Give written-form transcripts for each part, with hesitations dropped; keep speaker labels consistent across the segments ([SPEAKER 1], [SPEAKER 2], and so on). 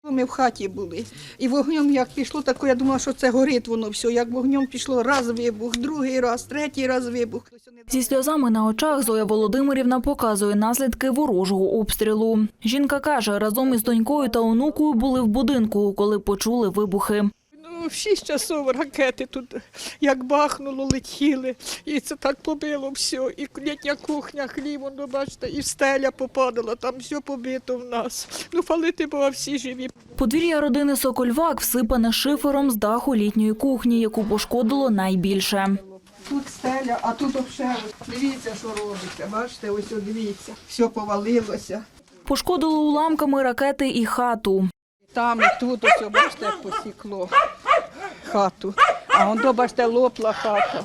[SPEAKER 1] Ми в хаті були. І вогнем як пішло, так я думала, що це горить воно все. Як вогнем пішло, раз вибух, другий раз, третій раз вибух.
[SPEAKER 2] Зі сльозами на очах Зоя Володимирівна показує наслідки ворожого обстрілу. Жінка каже, разом із донькою та онукою були в будинку, коли почули вибухи.
[SPEAKER 1] В 6 часов ракети тут як бахнуло, летіли. І це так побило все. І літня кухня, хліб, воно, бачите, і стеля попадала, там все побито в нас. Ну, хвалити Бога, всі живі.
[SPEAKER 2] Подвір'я родини Сокольвак всипане шифером з даху літньої кухні, яку пошкодило найбільше.
[SPEAKER 1] Тут стеля, а тут взагалі, дивіться, що робиться, бачите, ось дивіться, все повалилося.
[SPEAKER 2] Пошкодило уламками ракети і хату.
[SPEAKER 1] Там і тут ось, бачите, як посікло хату, а воно, бачите, лопла хата.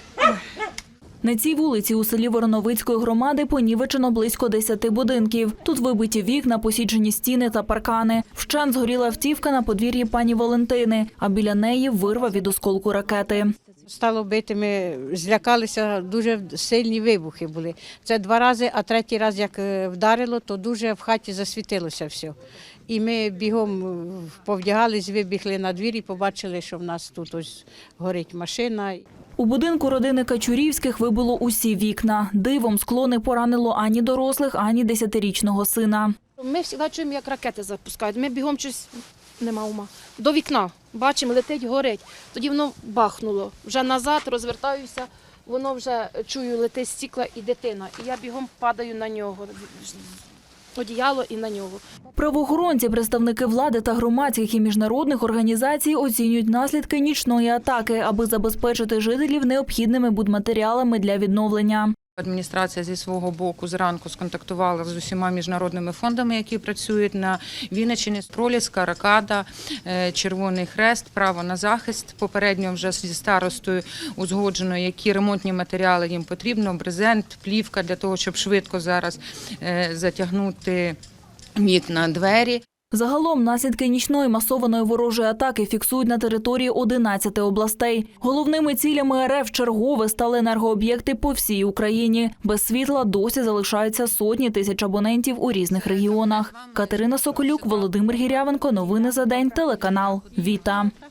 [SPEAKER 2] На цій вулиці у селі Вороновицької громади понівечено близько 10 будинків. Тут вибиті вікна, посіджені стіни та паркани. Вщент згоріла автівка на подвір'ї пані Валентини, а біля неї вирва від осколку ракети.
[SPEAKER 3] Стало бити, ми злякалися, дуже сильні вибухи були. Це 2 рази, а 3-й раз, як вдарило, то дуже в хаті засвітилося все. І ми бігом повдягались, вибігли на двір і побачили, що в нас тут ось горить машина.
[SPEAKER 2] У будинку родини Качурівських вибило усі вікна. Дивом скло не поранило ані дорослих, ані 10-річного сина.
[SPEAKER 4] Ми завжди чуємо, як ракети запускають. Ми бігом щось, нема ума, до вікна. Бачимо, летить, горить. Тоді воно бахнуло. Вже назад розвертаюся, воно вже, чую, летить стікла і дитина. І я бігом падаю на нього, одіяло і на нього.
[SPEAKER 2] Правоохоронці, представники влади та громадських і міжнародних організацій оцінюють наслідки нічної атаки, аби забезпечити жителів необхідними будматеріалами для відновлення.
[SPEAKER 5] Адміністрація зі свого боку зранку сконтактувала з усіма міжнародними фондами, які працюють на Вінниччині: Проліска, Ракада, Червоний Хрест, Право на захист. Попередньо вже зі старостою узгоджено, які ремонтні матеріали їм потрібно: брезент, плівка для того, щоб швидко зараз затягнути вікна, двері.
[SPEAKER 2] Загалом наслідки нічної масованої ворожої атаки фіксують на території 11 областей. Головними цілями РФ чергове стали енергооб'єкти по всій Україні. Без світла досі залишаються сотні тисяч абонентів у різних регіонах. Катерина Соколюк, Володимир Гірявенко. Новини за день. Телеканал «Віта».